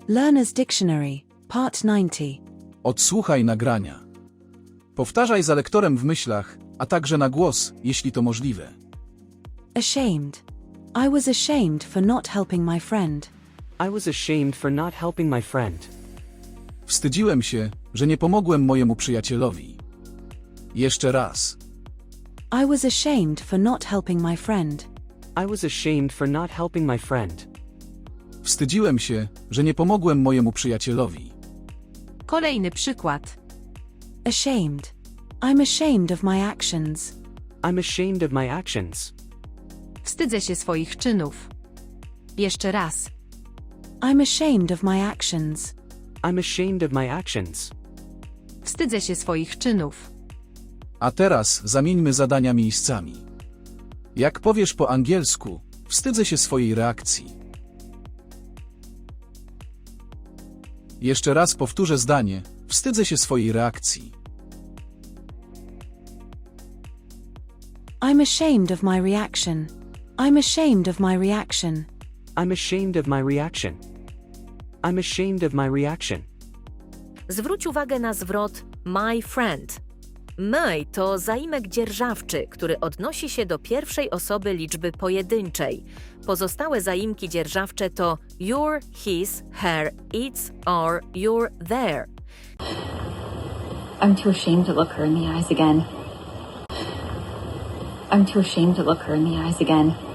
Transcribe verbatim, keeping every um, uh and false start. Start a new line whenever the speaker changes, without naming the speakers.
Learner's Dictionary, Part dziewięćdziesiąt.
Odsłuchaj nagrania. Powtarzaj za lektorem w myślach, a także na głos, jeśli to możliwe.
Ashamed. I was ashamed for not helping my friend.
I was ashamed for not helping my friend.
Wstydziłem się, że nie pomogłem mojemu przyjacielowi. Jeszcze raz.
I was ashamed for not helping my friend.
I was ashamed for not helping my friend.
Wstydziłem się, że nie pomogłem mojemu przyjacielowi.
Kolejny przykład.
Ashamed. I'm ashamed of my actions.
I'm ashamed of my actions.
Wstydzę się swoich czynów. Jeszcze raz.
I'm ashamed of my actions.
I'm ashamed of my actions.
Wstydzę się swoich czynów.
A teraz zamieńmy zadania miejscami. Jak powiesz po angielsku, wstydzę się swojej reakcji. Jeszcze raz powtórzę zdanie, wstydzę się swojej reakcji.
I'm ashamed of my reaction. I'm ashamed of my reaction.
I'm ashamed of my reaction. I'm ashamed of my reaction.
Zwróć uwagę na zwrot my friend. My to zaimek dzierżawczy, który odnosi się do pierwszej osoby liczby pojedynczej. Pozostałe zaimki dzierżawcze to your, his, her, its, or your, their.
I'm too ashamed to look her in the eyes again. I'm too ashamed to look her in the eyes again.